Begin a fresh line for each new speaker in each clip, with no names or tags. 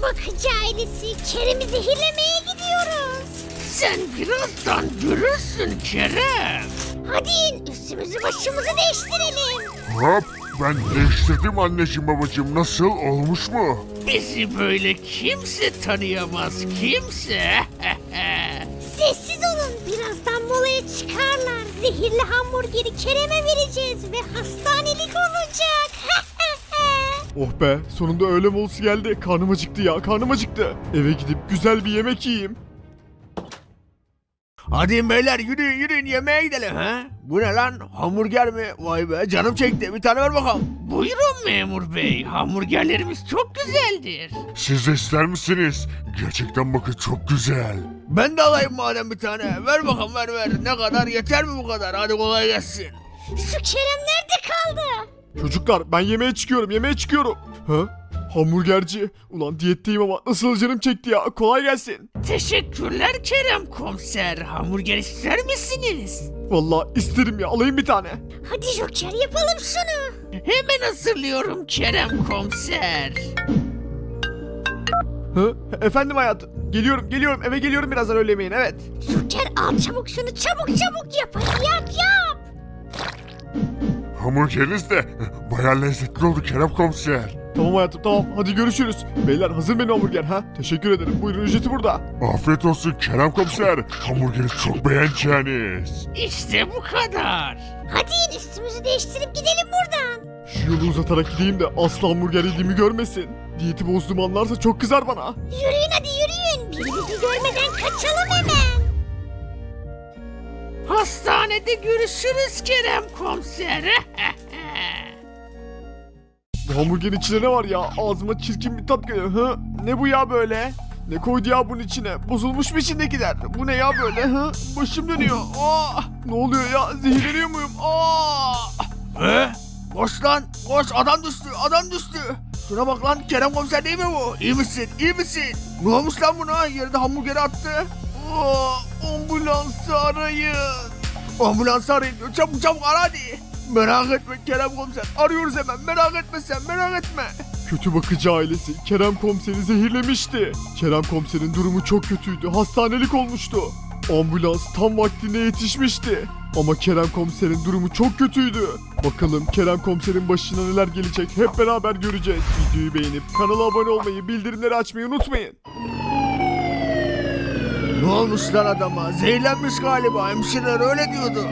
Bakıcı ailesi, Kerem'i zehirlemeye gidiyoruz.
Sen birazdan görürsün Kerem.
Hadi in, üstümüzü başımızı değiştirelim.
Hop, ben değiştirdim anneciğim babacığım, nasıl olmuş mu?
Bizi böyle kimse tanıyamaz, kimse.
Sessiz olun, birazdan molaya çıkarlar. Zehirli hamburgeri Kerem'e vereceğiz ve hastanelik olacak.
Oh be, sonunda öğle molası geldi. Karnım acıktı ya, karnım acıktı. Eve gidip güzel bir yemek yiyeyim.
Hadi beyler yürüyün yemeğe gidelim ha. Bu ne lan, hamburger mi? Vay be, canım çekti, bir tane ver bakalım. Buyurun memur bey, hamburgerlerimiz çok güzeldir.
Siz de ister misiniz? Gerçekten bakın çok güzel.
Ben de alayım madem bir tane. Ver bakalım, ver. Ne kadar, yeter mi bu kadar? Hadi kolay gelsin.
Şu Kerem nerede kaldı?
Çocuklar, ben yemeğe çıkıyorum. Ha? Hamburgerci. Ulan diyetteyim ama nasıl canım çekti ya. Kolay gelsin.
Teşekkürler Kerem komiser. Hamburger ister misiniz?
Vallahi isterim ya, alayım bir tane.
Hadi Joker, yapalım şunu.
Hemen hazırlıyorum Kerem komiser.
Ha? Efendim hayatım. Geliyorum, eve geliyorum birazdan öğle yemeğine, evet.
Joker, al çabuk şunu, çabuk yap. Hadi yap.
Hamburgeriniz de bayağı lezzetli oldu Kerem komiser.
Tamam hayatım, tamam, hadi görüşürüz. Beyler, hazır benim hamburger ha? Teşekkür ederim, buyurun, ücreti burada.
Afiyet olsun Kerem komiser. Hamburgeri çok beğeneceğiniz.
İşte bu kadar.
Hadi in, üstümüzü değiştirip gidelim buradan.
Şu yolu uzatarak gideyim de asla hamburger yediğimi görmesin. Diyeti bozduğumu anlarsa çok kızar bana.
Yürüyün hadi yürüyün. Biri bizi görmeden kaçalım hemen.
Hastanede görüşürüz Kerem komiser.
Bu hamburgerin içinde ne var ya? Ağzıma çirkin bir tat geliyor. Hı? Ne bu ya böyle? Ne koydu ya bunun içine? Bozulmuş mu içindekiler? Bu ne ya böyle? Hı? Başım dönüyor. Ne oluyor ya? Zehirleniyor muyum?
Koş lan, koş, adam düştü. Şuna bak lan, Kerem komiser değil mi bu? İyi misin? Ne olmuş lan buna? Yerde hamburgeri attı. Ambulansı arayın. Ambulansı arayın diyor. Çabuk ara hadi. Merak etme Kerem komiser. Arıyoruz hemen. Merak etme.
Kötü bakıcı ailesi Kerem komiseri zehirlemişti. Kerem komiserin durumu çok kötüydü. Hastanelik olmuştu. Ambulans tam vaktinde yetişmişti. Ama Kerem komiserin durumu çok kötüydü. Bakalım Kerem komiserin başına neler gelecek hep beraber göreceğiz. Videoyu beğenip kanala abone olmayı, bildirimleri açmayı unutmayın.
Ne olmuş lan adama? Zehirlenmiş galiba. Hemşireler öyle diyordu.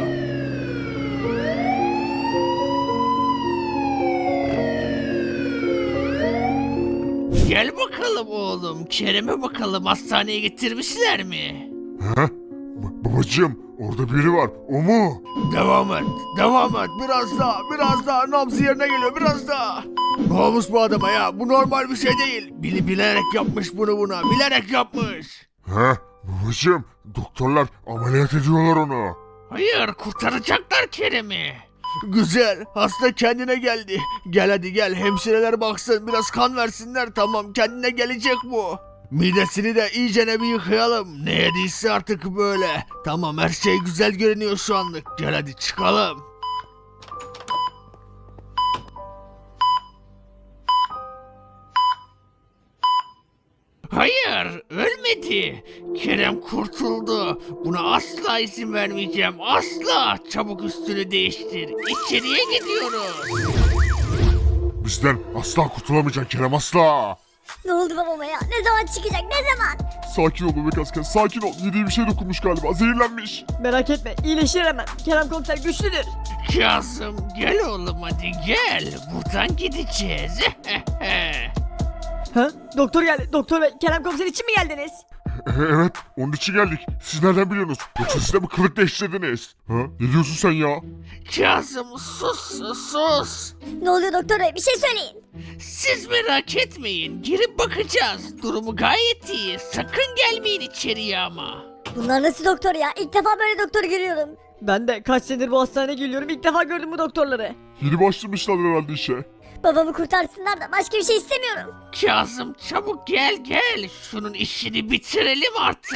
Gel bakalım oğlum. Kerem'e bakalım, hastaneye getirmişler mi?
Ha? Babacığım, orada biri var, o mu?
Devam et. Biraz daha. Nabzı yerine geliyor, biraz daha. Ne olmuş bu adama ya? Bu normal bir şey değil. Bilerek yapmış bunu buna. Bilerek yapmış.
Ha? Babacığım, doktorlar ameliyat ediyorlar onu.
Hayır, kurtaracaklar Kerem'i. Güzel, hasta kendine geldi. Gel hadi gel, hemşireler baksın, biraz kan versinler, tamam, kendine gelecek bu. Midesini de iyicene bir yıkayalım. Ne yediyse artık böyle. Tamam, her şey güzel görünüyor şu anlık. Gel hadi çıkalım. Hayır, ölmedi. Kerem kurtuldu. Buna asla izin vermeyeceğim. Asla. Çabuk üstünü değiştir. İçeriye gidiyoruz.
Bizden asla kurtulamayacak Kerem, asla.
Ne oldu babama ya? Ne zaman çıkacak? Ne zaman?
Sakin ol bebek asker, sakin ol. Yediği bir şey dokunmuş galiba, zehirlenmiş.
Merak etme, iyileşir hemen. Kerem komiser güçlüdür.
Kazım, gel oğlum hadi gel. Buradan gideceğiz.
Ha? Doktor geldi. Doktor bey, Kerem komiser için mi geldiniz?
Evet, onun için geldik. Siz nereden biliyorsunuz? Yoksa siz de mi kılık değiştirdiniz? Ha? Ne diyorsun sen ya?
Kazım, sus.
Ne oluyor doktor bey? Bir şey söyleyin.
Siz merak etmeyin. Girip bakacağız. Durumu gayet iyi. Sakın gelmeyin içeriye ama.
Bunlar nasıl doktor ya? İlk defa böyle doktor görüyorum.
Ben de kaç senedir bu hastaneye geliyorum. İlk defa gördüm bu doktorları.
Yeni başlamışlar herhalde işe.
Babamı kurtarsınlar da başka bir şey istemiyorum.
Kazım, çabuk gel. Şunun işini bitirelim artık.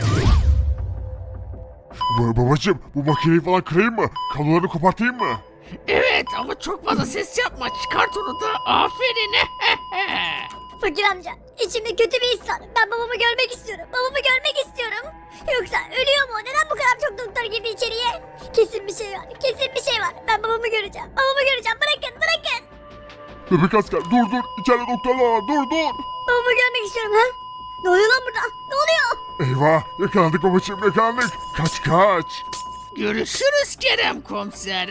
Babacığım, bu makineyi falan kırayım mı? Kablolarını kopartayım mı?
Evet ama çok fazla ses yapma. Çıkart onu da. Aferin.
Fakir amca içimde kötü bir his var. Ben babamı görmek istiyorum. Babamı görmek istiyorum. Yoksa ölüyor mu? Neden bu kadar çok doktor girdi içeriye? Kesin bir şey var. Kesin bir şey var. Ben babamı göreceğim. Babamı göreceğim. Bırakın bırakın.
Bebek asker dur içeride doktorlar var dur.
Babamı görmek istiyorum ha. Ne oluyor lan burada? Ne oluyor?
Eyvah yakalandık babacığım yakalandık. Kaç.
Görüşürüz Kerem komiser.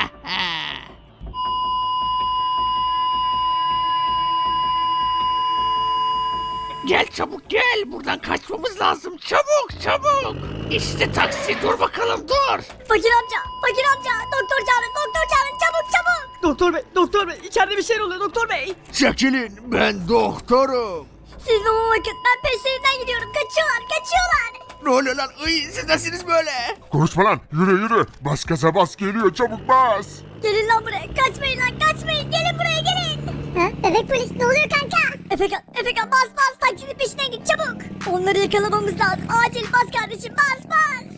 Gel çabuk gel. Buradan kaçmamız lazım. Çabuk. İşte taksi. Dur bakalım dur.
Fakir amca. Doktor çağırın çabuk.
Doktor bey içeride bir şey oluyor doktor bey.
Çekilin. Ben doktorum.
Siz babama bakın. Ben peşlerinden gidiyorum. Kaçıyorlar.
Ne oluyor lan? Siz nesiniz böyle?
Konuşma lan yürü. Bas gaza bas geliyor çabuk bas.
Gelin lan buraya. Kaçmayın. Gelin buraya gelin. Ha? Bebek polis ne oluyor kanka? Efekan bas taksinin peşinden git çabuk. Onları yakalamamız lazım. Acil bas kardeşim bas.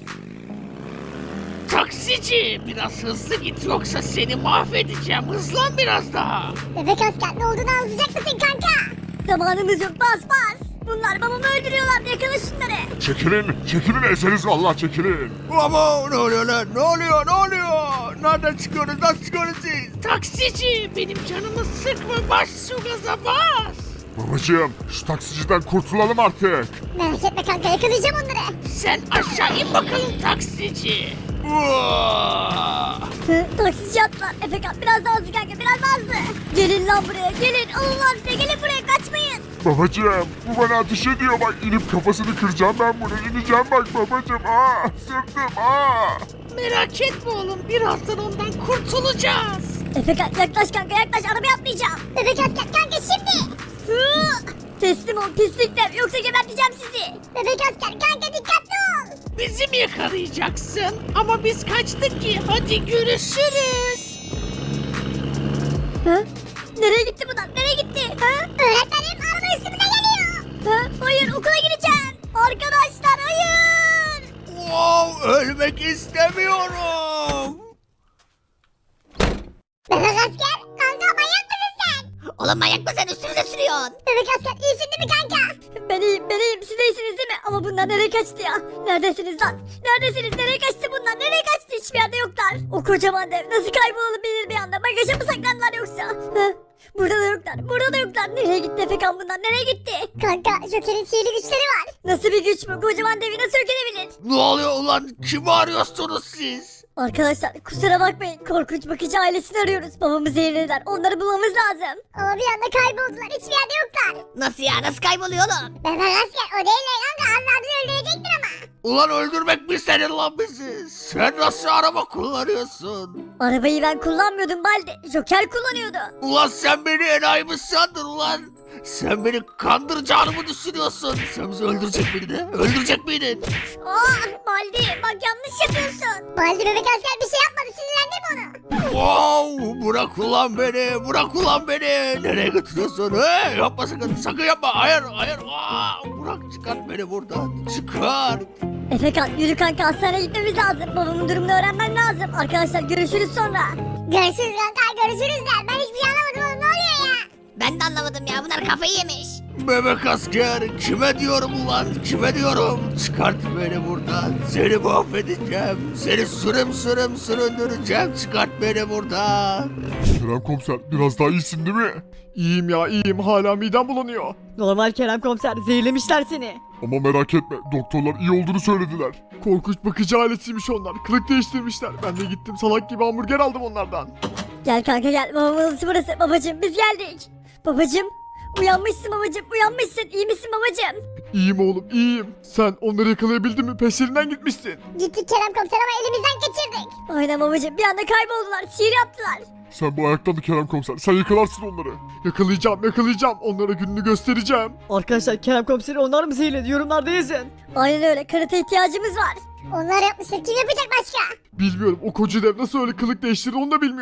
Taksici biraz hızlı git yoksa seni mahvedeceğim. Hızlan biraz daha.
Bebek asker ne olduğunu anlatacak mısın kanka? Zamanımız yok bas. Bunlar babamı öldürüyorlar. Yakala şunları.
Çekilin ezeriz vallahi çekilin.
Ama ne oluyor lan? Ne oluyor? Nereden çıkıyoruz? Nasıl çıkıyoruz siz? Taksici benim canımı sıkma. Bas şu gaza bas.
Babacığım şu taksiciden kurtulalım artık.
Merak etme kanka yakalayacağım onları.
Sen aşağı in bakalım taksici.
Taksici atlar. Efekan biraz daha hızlı kanka biraz daha hızlı. Gelin lan buraya gelin. Alın lan size gelin buraya kaçmayın.
Babacığım bu bana ateş ediyor bak inip kafasını kıracağım ben bunu ineceğim bak babacığım sırtım
Merak etme oğlum. Birazdan ondan kurtulacağız.
Efekan yaklaş kanka yaklaş arabaya atlayacağım. Bebek asker kanka şimdi. Teslim ol pislikler yoksa geberteceğim sizi. Bebek asker kanka dikkatli ol.
Bizi mi yakalayacaksın? Ama biz kaçtık ki. Hadi görüşürüz.
Ha? Nereye gitti bunlar? Nereye gitti? Ha? Öğretmenim araba üstümüze geliyor. Ha? Hayır okula gideceğim. Arkadaşlar hayır.
Ölmek istemiyorum.
Bebek asker kanka manyak mısın sen? Oğlum manyak mısın üstümüze sürüyorsun? Bebek asker iyisin değil mi kanka? Ben iyiyim siz de iyisiniz değil mi? Ama bunlar nereye kaçtı ya? Neredesiniz lan? Nereye kaçtı bunlar? Nereye kaçtı? Hiçbir yerde yoklar. O kocaman dev nasıl kaybolalım bilir bir anda? Bagaja mı saklandılar yoksa? Ha? Burada da yoklar. Nereye gitti Efekan bunlar? Nereye gitti? Kanka Joker'in sihirli güçleri var. Nasıl bir güç bu? Kocaman devi nasıl yok edebilir?
Ne oluyor ulan? Kimi arıyorsunuz siz?
Arkadaşlar kusura bakmayın korkunç bakıcı ailesini arıyoruz. Babamı zehirlediler onları bulmamız lazım. Ama bir anda kayboldular hiçbir yerde yoklar. Nasıl ya nasıl kayboluyor oğlum? Bebek asker o değil kanka az daha bizi öldürecektir ama.
Ulan öldürmek mi senin lan bizi? Sen nasıl araba kullanıyorsun?
Arabayı ben kullanmıyordum Baldi. Joker kullanıyordu.
Ulan sen beni enayi mi sandın ulan? Sen beni kandıracağını mı düşünüyorsun? Sen bizi öldürecek miydin? Öldürecek miydin?
Baldi bak yanlış yapıyorsun. Baldi bebek asker bir şey yapmadı sinirlendirme onu.
Bırak ulan beni. Nereye götürüyorsun? Yapma sakın yapma. Hayır. Bırak çıkart beni buradan. Çıkart.
Efekan yürü kanka hastaneye gitmemiz lazım. Babamın durumunu öğrenmem lazım. Arkadaşlar görüşürüz sonra. Görüşürüz kanka görüşürüz der. Ben hiçbir şey anlamadım oğlum ne oluyor ya? Ben de anlamadım ya bunlar kafayı yemiş.
Bebek asker kime diyorum ulan kime diyorum? Çıkart beni buradan. Seni mahvedeceğim. Seni sürüm süründüreceğim. Çıkart beni buradan.
Kerem komiser biraz daha iyisin değil mi?
İyiyim hala midem bulanıyor.
Normal Kerem komiser zehirlemişler seni.
Ama merak etme doktorlar iyi olduğunu söylediler.
Korkunç bakıcı ailesiymiş onlar. Kılık değiştirmişler. Ben de gittim salak gibi hamburger aldım onlardan.
Gel kanka gel babamın odası burası. Babacım biz geldik. Babacım uyanmışsın babacım uyanmışsın. İyi misin babacım?
İyiyim oğlum iyiyim. Sen onları yakalayabildin mi? Peşlerinden gitmişsin.
Gittik Kerem komiser ama elimizden kaçırdık. Aynen babacım bir anda kayboldular. Sihir yaptılar.
Sen bu ayaktanı Kerem komiser sen yakalarsın onları.
Yakalayacağım. Onlara gününü göstereceğim.
Arkadaşlar Kerem komiseri onlar mı zehirledi yorumlarda yazın.
Aynen öyle karate ihtiyacımız var. Onlar yapmışlar kim yapacak başka?
Bilmiyorum o koca dev nasıl öyle kılık değiştirdi onu da bilmiyorum.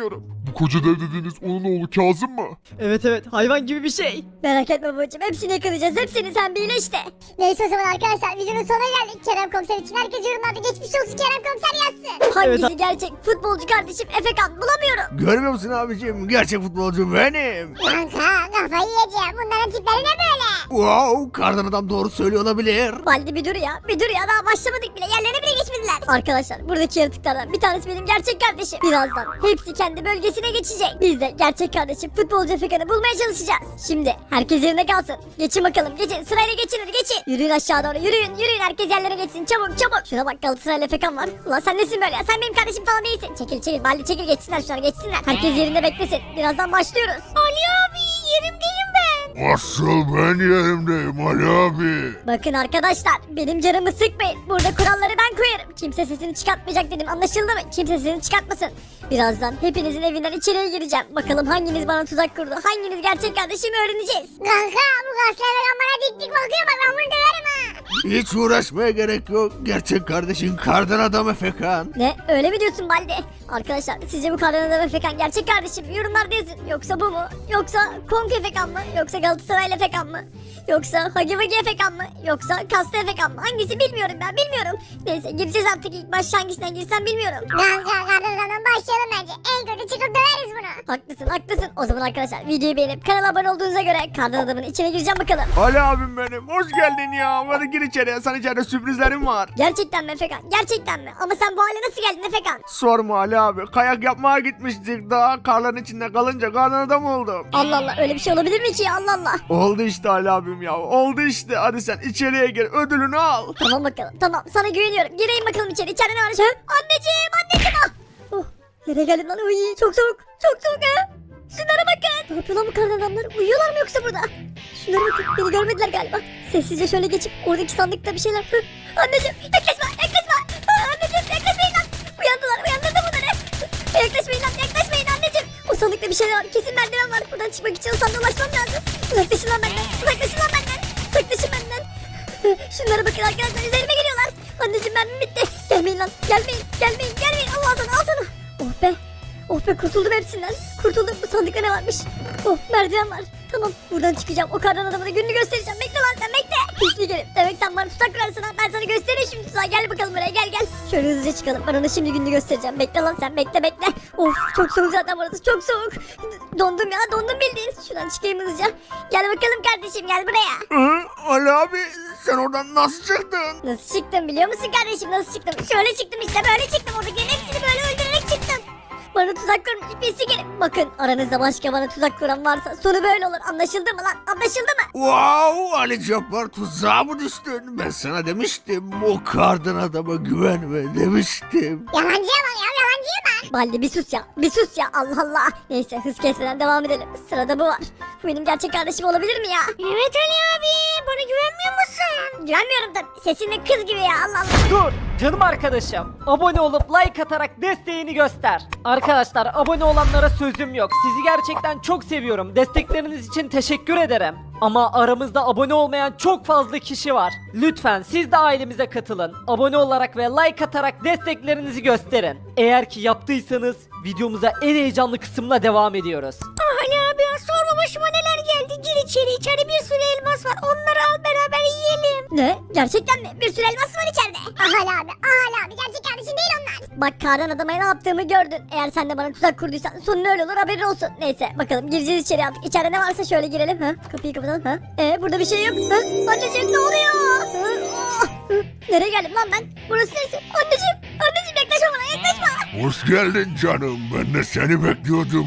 Bu koca dev dediğiniz onun oğlu Kazım mı?
Evet evet hayvan gibi bir şey.
Merak etme babacım, hepsini yakalayacağız, hepsini, sen bir işte. Neyse o zaman arkadaşlar, videonun sonuna geldik. Kerem Komiser için herkes yorumlarda geçmiş olsun Kerem Komiser yazsın. Hangisi
Evet.
gerçek futbolcu kardeşim Efekan, bulamıyorum.
Görmüyor musun abicim? Gerçek futbolcu benim.
Kanka kafayı yiyeceğim, bunların tipleri ne böyle?
Wow, kardan adam doğru söylüyor olabilir.
Baldi bir dur ya, bir dur ya, daha başlamadık bile, yerlerine bile geçmediler. Arkadaşlar buradaki yaratıklardan bir tanesi benim gerçek kardeşim. Birazdan hepsi kendi bölgesine geçecek. Biz de gerçek kardeşim futbolcu Efekan'ı bulmaya çalışacağız. Şimdi herkes yerine kalsın. Geçin bakalım, geçin, sırayla geçin, hadi geçin. Yürüyün aşağı doğru, yürüyün, yürüyün, herkes yerlere geçsin, çabuk çabuk. Şuna bak, Galatasaraylı Efekan var. Ulan sen nesin böyle ya, sen benim kardeşim falan değilsin. Çekil çekil Baldi, çekil, geçsinler şunlar, geçsinler. Herkes yerinde beklesin, birazdan başlıyoruz. Ali abi, yerimdeyim ben.
Asıl ben yerimdeyim Ali abi.
Bakın arkadaşlar, benim canımı sıkmayın. Burada kuralları ben koyarım. Kimse sesini çıkartmayacak dedim, anlaşıldı mı? Kimse sesini çıkartmasın. Birazdan hepinizin evinden içeriye gireceğim. Bakalım hanginiz bana tuzak kurdu, hanginiz gerçek kardeşimi öğreneceğiz. Kanka bu gazeteler bana dik dik bakıyor, bak ben bunu döverim ha.
Hiç uğraşmaya gerek yok. Gerçek kardeşin kardan adam Efekan.
Ne, öyle mi diyorsun Baldi? Arkadaşlar sizce bu kardan adam Efekan gerçek kardeşim mi? Yorumlarda yazın. Yoksa bu mu? Yoksa Konk Efekan mı? Yoksa Galatasaraylı Efekan mı? Yoksa Hagi Vagi Efekan mı? Yoksa Kaslı Efekan mı? Hangisi bilmiyorum, ben bilmiyorum. Neyse gireceğiz artık, ilk baş hangisinden girsem bilmiyorum.
Kanka kardeşlerden başlayalım bence. En kötü çıkıp döveriz bunu.
Haklısın haklısın. O zaman arkadaşlar videoyu beğenip kanala abone olduğunuza göre kardan adamın içine gireceğim bakalım.
Ali abim benim. Hoş geldin ya. Hadi gir içeriye. Sana içeride sürprizlerim var.
Gerçekten mi Efekan? Gerçekten mi? Ama sen bu hale nasıl geldin Efekan?
Sorma Ali abi. Kayak yapmaya gitmiştik. Daha karların içinde kalınca kardan adam oldum.
Allah Allah, öyle bir şey olabilir mi ki ya, Allah Allah.
Oldu işte Ali abim ya. Oldu işte. Hadi sen içeriye gir. Ödülünü al.
Tamam bakalım, tamam, sana güveniyorum. Gireyim bakalım içeri. İçeride ne var? Anneciğim, anneciğim, ah. Oh, nereye geldim lan? Uy, çok soğuk, çok soğuk ha. Şunlara bakın. Ne yapıyor lan bu kardan adamlar? Uyuyorlar mı yoksa burada? Şunlara bakın, beni görmediler galiba. Sessizce şöyle geçip oradaki sandıkta bir şeyler. Hı, anneciğim, yaklaşma, yaklaşma. Anneciğim, yaklaşmayın lan. Uyandılar, uyandırdım bunları. Yaklaşmayın lan, yaklaşmayın anneciğim. O sandıkta bir şeyler var, kesin merdiven var. Buradan çıkmak için o sandığa ulaşmam lazım. Uzaklaşın lan benden, uzaklaşın lan benden. Uzaklaşın benden. Şunlara bakın arkadaşlar, üzerime geliyorlar. Anneciğim, mermim bitti. Gelmeyin lan, gelmeyin, gelmeyin, gelmeyin. Allah sana, al sana. Oh be. Oh be, kurtuldum hepsinden. Kurtuldum. Bu sandıkta ne varmış? Oh, merdiven var. Tamam, buradan çıkacağım. O kardan adamına gününü göstereceğim. Bekle lan sen, bekle. Pislik herif. Demek sen bana tuzak kurarsın ha. Ben sana göstereyim şimdi tuzağı. Gel bakalım buraya, gel gel. Şöyle hızlıca çıkalım. Ben ona şimdi gününü göstereceğim. Bekle lan sen, bekle bekle. Of, çok soğuk zaten burası, çok soğuk. Dondum ya, dondum bildiğin. Şuradan çıkayım hızlıca. Gel bakalım kardeşim, gel buraya.
Ali abi sen oradan nasıl çıktın?
Nasıl çıktım biliyor musun kardeşim, nasıl çıktım? Şöyle çıktım işte, böyle çıktım. Oradakilerin hepsini böyle öldürerek çıktım. Bana tuzak kurmuş birisi gelip. Bakın, aranızda başka bana tuzak kuran varsa sonu böyle olur. Anlaşıldı mı lan? Anlaşıldı mı?
Wow Ali Cabbar, tuzağa mı düştün? Ben sana demiştim o kardan adama güvenme demiştim.
Yalancıya bak ya, yalancıya bak.
Baldi bir sus ya. Bir sus ya. Allah Allah. Neyse, hız kesmeden devam edelim. Sırada bu var. Bu benim gerçek kardeşim olabilir mi ya?
Evet Ali abi, bana güvenmiyor musun?
Güvenmiyorum tabii. Sesin de kız gibi ya. Allah Allah.
Dur canım arkadaşım. Abone olup like atarak desteğini göster. Arkadaşlar abone olanlara sözüm yok. Sizi gerçekten çok seviyorum. Destekleriniz için teşekkür ederim. Ama aramızda abone olmayan çok fazla kişi var. Lütfen siz de ailemize katılın. Abone olarak ve like atarak desteklerinizi gösterin. Eğer ki yaptıysanız videomuza en heyecanlı kısımla devam ediyoruz.
Ali abi ya, sorma başıma neler geldi. Gir içeri, içeride bir sürü elmas var. Onları al, beraber yiyelim.
Ne? Gerçekten mi? Bir sürü elmas var içeride.
Ali abi gerçek kardeşin değil onlar.
Bak, kardan adama ne yaptığımı gördün. Eğer sen de bana tuzak kurduysan sonun öyle olur, haberin olsun. Neyse bakalım, gireceğiz içeri artık. İçeride ne varsa şöyle girelim. Ha? Kapıyı kapatalım. Ha? Burada bir şey yok. Ha? Anneciğim, ne oluyor? Ha? Ah! Hı? Nereye geldim lan ben? Burası neresi? Anneciğim yaklaşma bana, yaklaşma.
Hoş geldin canım. Ben de seni bekliyordum.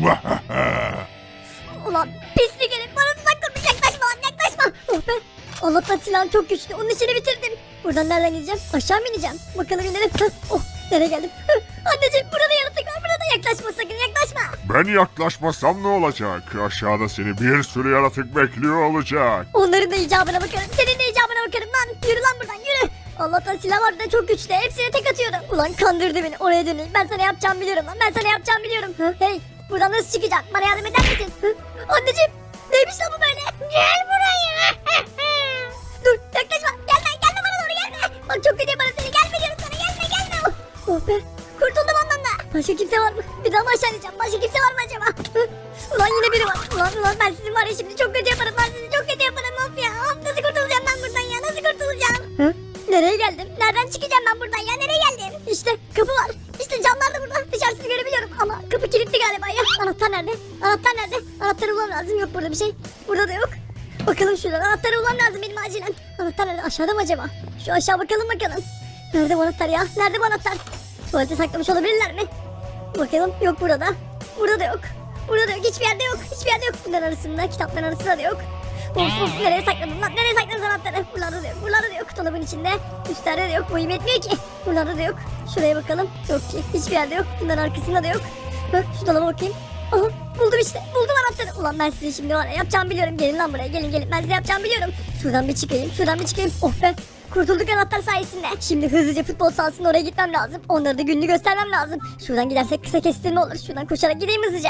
Ulan pislik herif, bana tuzak kurmuş, yaklaşma lan, yaklaşma. Oh be. Allah'tan silahım çok güçlü, onun işini bitirdim. Buradan nereden gideceğim? Aşağı mı ineceğim? Bakalım inelim. Hah, oh, nereye geldim? Anneciğim, burada yaratık var, burada yaklaşma sakın, yaklaşma.
Ben yaklaşmasam ne olacak? Aşağıda seni bir sürü yaratık bekliyor olacak.
Onların da icabına bakarım, senin de icabına bakarım lan. Yürü lan buradan, yürü. Allah'tan silah var da çok güçlü, hepsine tek atıyorum. Ulan kandırdı beni, oraya döneyim. Ben sana yapacağımı biliyorum lan, ben sana yapacağımı biliyorum. Hey, buradan nasıl çıkacağım? Bana yardım eder misin? Anneciğim, neymiş lan bu böyle?
Gel buraya.
Dur, yaklaşma, gelme bana doğru, gelme. Bak çok kötü bana seni, gelme diyorum sana, gelme. Oh be, kurtuldum ondan da. Başka kimse var mı? Bir daha mı aşağı ineceğim? Başka kimse var mı acaba? yine biri var. Ulan ben sizin var ya şimdi çok kötü yaparım. Ben sizi çok kötü yaparım of ya. Of nasıl kurtulacağım ben buradan ya? Nasıl kurtulacağım? Hı? Nereye geldim? Nereden çıkacağım ben buradan ya? Nereye geldim? İşte kapı var. İşte camlar da burada. Dışarısını görebiliyorum ama kapı kilitli galiba ya. Anahtar nerede? Anahtar nerede? Anahtarı bulmam lazım. Yok burada bir şey. Burada da yok. Bakalım şuradan. Anahtarı bulmam lazım benim acilen. Anahtar nerede? Aşağıda mı acaba? Şu aşağı bakalım. Nerede bu anahtar ya? Nerede bu anahtar? Tuvalete saklamış olabilirler mi? Bakalım. Yok burada. Burada da yok. Burada da yok. Hiçbir yerde yok. Hiçbir yerde yok. Bunların arasında. Kitapların arasında da yok. Of nereye sakladın lan? Nereye sakladın anahtarı? Buralarda da yok. Buralarda da yok. Dolabın içinde. Üstlerde de yok. Boyum yetmiyor ki. Buralarda da yok. Şuraya bakalım. Yok ki. Hiçbir yerde yok. Bunların arkasında da yok. Şu dolaba bakayım. Aha buldum işte. Buldum anahtarı. Ulan ben size şimdi var ya yapacağımı biliyorum. Gelin lan buraya. Gelin. Ben size yapacağımı biliyorum. Şuradan bir çıkayım. Oh be. Kurtulduk anahtar sayesinde. Şimdi hızlıca futbol sahasına oraya gitmem lazım. Onları da gününü göstermem lazım. Şuradan gidersek kısa kestirme olur. Şuradan koşarak gideyim hızlıca.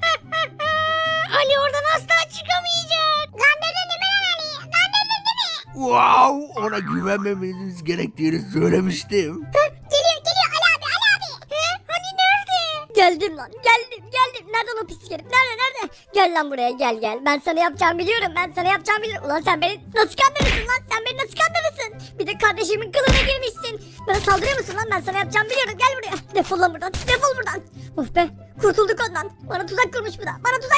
Ali oradan asla çıkamayacak. Kandırdın değil mi lan Ali? Kandırdın değil mi?
Wow, ona güvenmemeniz gerektiğini söylemiştim.
Geliyor Ali abi. Hani nerede?
Geldim lan. Geldim. Nereden o pislik herif? Nerede? Gel lan buraya gel. Ben sana yapacağımı biliyorum. Ulan sen beni nasıl kandırırsın lan? Bir de kardeşimin kılığına girmişsin. Bana saldırıyor musun lan? Ben sana yapacağımı biliyorum. Gel buraya. Defol lan buradan. Of be. Kurtulduk ondan. Bana tuzak kurmuş bu da.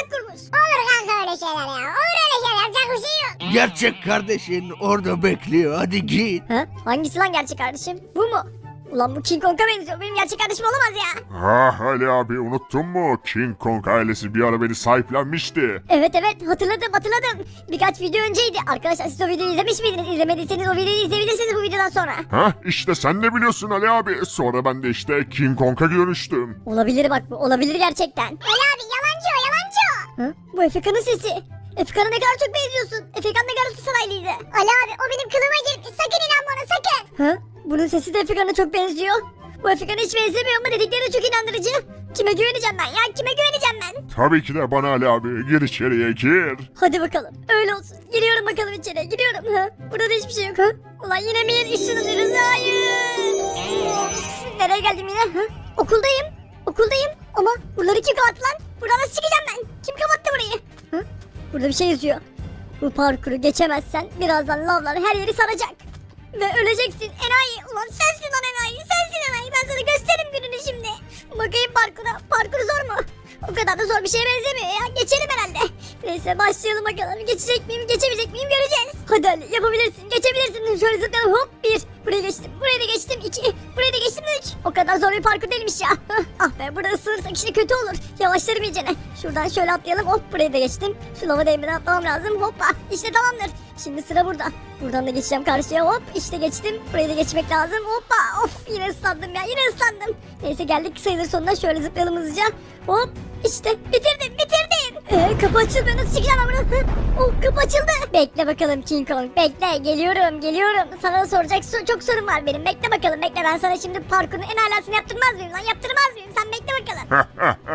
Olur kanka öyle şeyler ya. Yapacak bir şey yok.
Gerçek kardeşin orada bekliyor. Hadi git.
Ha? Hangisi lan gerçek kardeşim? Bu mu? Ulan bu King Kong'a benziyor. Benim gerçek kardeşim olamaz ya.
Ali abi unuttun mu? King Kong ailesi bir ara beni sahiplenmişti.
Evet hatırladım. Birkaç video önceydi. Arkadaşlar siz o videoyu izlemiş miydiniz? İzlemediyseniz o videoyu izleyebilirsiniz bu videodan sonra.
İşte sen de biliyorsun Ali abi. Sonra ben de işte King Kong'a dönüştüm.
Olabilir bak bu. Olabilir gerçekten.
Ali abi yalancı o.
Ha? Bu Efeka'nın sesi. Efeka'na ne kadar çok benziyorsun. Efekan da Galatasaraylıydı.
Ali abi o benim kılıma girmiş. Sakın inanma ona sakın.
Ha? Bunun sesi de Efekan'a çok benziyor. Bu Efekan'a hiç benzemiyor ama dedikleri çok inandırıcı. Kime güveneceğim ben ya?
Tabii ki de bana Ali abi. Gir içeriye gir.
Hadi bakalım. Öyle olsun. Giriyorum bakalım içeriye. Ha? Burada da hiçbir şey yok. Ha? Ulan yine mi yer ışınlanıyoruz? Hayır. Of, nereye geldim yine? Ha? Okuldayım. Ama buraları kim kapattı lan? Buradan nasıl çıkacağım ben? Kim kapattı burayı? Ha? Burada bir şey yazıyor. Bu parkuru geçemezsen birazdan lavlar her yeri saracak. Ve öleceksin enayi. Ulan sensin lan enayi. Ben sana gösteririm gününü şimdi. Bakayım parkura. Parkur zor mu? O kadar da zor bir şeye benzemiyor ya. Geçelim herhalde. Neyse başlayalım bakalım. Geçecek miyim geçemeyecek miyim göreceğiz. Hadi Ali yapabilirsin. Geçebilirsin. Şöyle zıplayalım. Hop 1. Buraya geçtim. Buraya da geçtim 2. Buraya da geçtim 3. O kadar zor bir parkur değilmiş ya. Ah be burada ısırırsak işte kötü olur. Yavaşlarım iyicene. Şuradan şöyle atlayalım. Hop buraya da geçtim. Şu lava değmeden atlamam lazım. Hoppa. İşte tamamdır. Şimdi sıra burada. Buradan da geçeceğim karşıya. Hop işte geçtim. Buraya da geçmek lazım. Hoppa. Of yine ıslandım ya. Yine. Neyse geldik sayılır sonuna. Şöyle zıplayalım hızlıca. Hop işte bitirdim. Kapı açılmıyor. Nasıl çıkacağım ben buradan? Oh kapı açıldı. Bekle bakalım King Kong. Bekle. Geliyorum. Sana da soracak çok sorun var benim. Bekle bakalım. Ben sana şimdi parkurun en alasını yaptırmaz mıyım lan? Yaptırmaz mıyım? Sen bekle bakalım.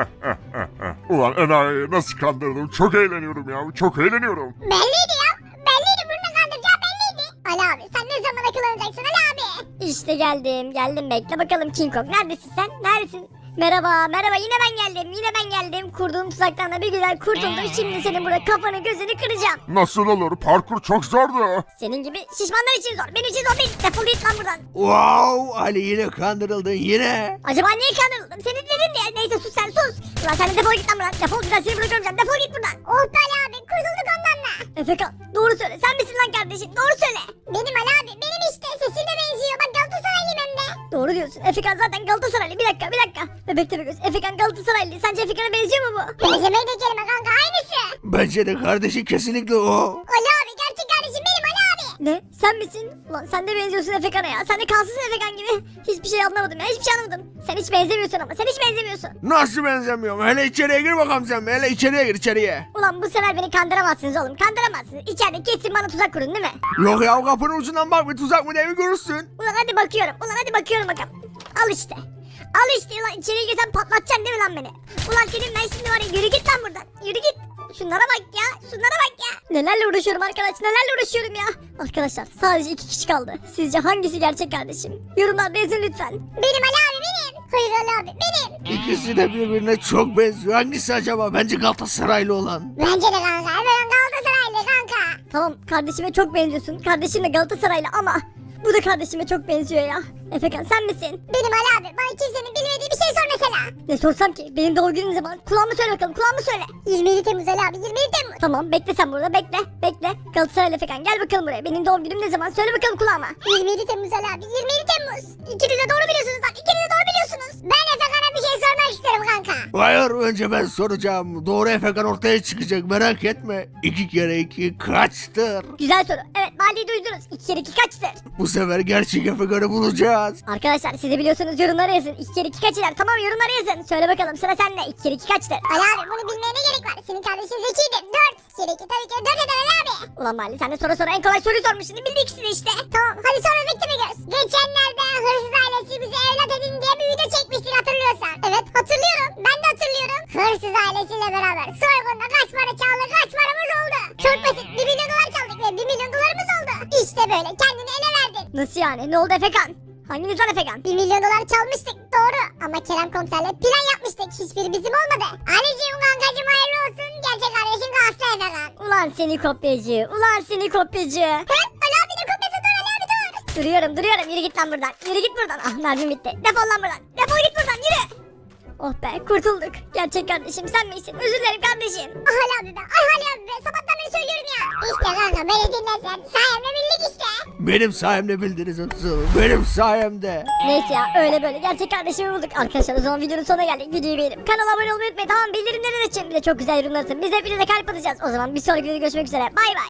Ulan enayi nasıl kandırdım. Çok eğleniyorum ya. Çok eğleniyorum.
Belliydi ya. Belliydi bunu kandıracağı belliydi. Ali abi sen ne zaman akıllanacaksın Ali abi?
İşte geldim. Bekle bakalım King Kong. Neredesin sen? Neredesin? Merhaba yine ben geldim. Kurduğum tuzaktan da bir güzel kurtuldum. Şimdi senin burada kafanı gözünü kıracağım.
Nasıl olur? Parkur çok zordu.
Senin gibi şişmanlar için zor. Benim için zor değil. Defol git lan buradan.
Wow, Ali yine kandırıldın yine.
Acaba niye kandırıldım? Seni dedin diye. Neyse sus sen sus. Ulan sen de defol git lan buradan. Defol bir daha seni burada görmeyeceğim. Defol git buradan.
Oh be Ali abi kurtulduk ondan da.
Efekan doğru söyle. Sen misin lan kardeşim? Doğru söyle.
Benim Ali abi benim işte sesine benziyor. Bak Galatasaraylıyım hem de.
Doğru diyorsun. Efekan zaten Galatasaraylı. Bir dakika. Bebek Tepegöz. Efekan Galatasaraylı. Sence Efekan'a benziyor mu bu?
Benzemeyi de kelime kanka aynısı.
Bence de kardeşi kesinlikle o.
Ali abi gerçek kardeşim benim Ali abi.
Ne? Sen misin? Ulan sen de benziyorsun Efekan'a ya. Sen de kalsızsın Efekan gibi. Hiçbir şey anlamadım ya. Sen hiç benzemiyorsun ama.
Nasıl benzemiyorum? Hele içeriye gir bakalım sen. Hele içeriye gir içeriye.
Ulan bu sefer beni kandıramazsınız oğlum. Kandıramazsınız. İçeride kesin bana tuzak kurun değil mi?
Yok ya kapının ucundan bak bir tuzak mı diye bir görürsün.
Ulan hadi bakıyorum bakalım. Al işte ulan içeriye girsen patlatacaksın değil mi lan beni? Ulan senin ben şimdi var ya yürü git lan buradan. Yürü git. Şunlara bak ya. Nelerle uğraşıyorum ya. Arkadaşlar sadece 2 kişi kaldı. Sizce hangisi gerçek kardeşim? Yorumlarda yazın lütfen.
Benim Ali abi benim. Hayır Ali abi benim.
İkisi de birbirine çok benziyor. Hangisi acaba? Bence Galatasaraylı olan.
Bence de kanka. Efekan Galatasaraylı kanka.
Tamam kardeşime çok benziyorsun. Kardeşim de Galatasaraylı ama bu da kardeşime çok benziyor ya. Efekan sen misin?
Benim Ali abi. Bana kimsenin bilmediği bir şey sor mesela.
Ne sorsam ki? Benim doğum günüm ne zaman? Kulağımı söyle bakalım kulağımı söyle.
27 Temmuz Ali abi 27 Temmuz.
Tamam bekle sen burada bekle. Bekle. Galatasaray Efekan gel bakalım buraya. Benim doğum günüm ne zaman? Söyle bakalım kulağıma.
27 Temmuz Ali abi 27 Temmuz. İkiniz de doğru biliyorsunuz lan. İkiniz de doğru biliyorsunuz. Ben Efekan'a bir şey sormak istiyorum kanka.
Hayır, önce ben soracağım. Doğru Efekan ortaya çıkacak, merak etme. 2 kere 2 kaçtır?
Güzel soru. Evet mahalleyi duydunuz. 2 kere 2 kaçtır?
Bu sefer gerçek Efekan'ı bulacağız.
Arkadaşlar siz de biliyorsunuz yorumlara yazın. 2 kere 2 kaç eder? Tamam yorumlara yazın. Söyle bakalım sıra sende. 2 kere 2 kaçtır?
Ali abi bunu bilmeye ne gerek var? Senin kardeşin zekidir. 4. Kere 2 tabii ki 4 eder Ali abi.
Ulan mahalle sen de sonra en kolay soruyu sormuşsun. Bildi ikisini işte.
Tamam hadi sonra bekleme göz. Geçenlerde hırsız ailesi bize evlat edin diye bir video çekmiştik hatırlıyorsan. Evet hatırlıyorum. Ben de hatırlıyorum. Hırsız ailesiyle beraber soygunda kaç para çaldı kaç paramız oldu. Çok basit 1 milyon dolar çaldık ve 1 milyon dolarımız oldu. İşte böyle kendini ele verdin.
Nasıl yani? Ne oldu Efekan? Hanginiz lan Efekan?
1 milyon dolar çalmıştık doğru. Ama Kerem komiserle plan yapmıştık. Hiçbiri bizim olmadı. Anneciğim kankacığım hayırlı olsun. Gerçek kardeşin Aslı Efekan.
Ulan seni kopyacı. Ulan seni kopyacı.
He? Ali abi ne kopyası dur Ali abi dur.
Duruyorum. Yürü git lan buradan. Yürü git buradan. Ah mermim bitti. Defol lan buradan. Defol git buradan yürü. Oh be kurtulduk. Gerçek kardeşim sen misin? Özür dilerim kardeşim.
Ah Ali abi be. Ah Ali abi be. Sabahtan beri söylüyorum ya. İşte kanka beni dinlesen. Sayemde bildik işte.
Benim sayemde bildiniz Atsu. Benim sayemde.
Neyse ya öyle böyle gerçek kardeşimi bulduk. Arkadaşlar o zaman videonun sonuna geldik. Videoyu beğenip kanala abone olmayı unutmayın. Tamam bildirimleri açın. Bir de çok güzel yorumlar atın. Biz hepinize kalp atacağız. O zaman bir sonraki videoda görüşmek üzere. Bay bay.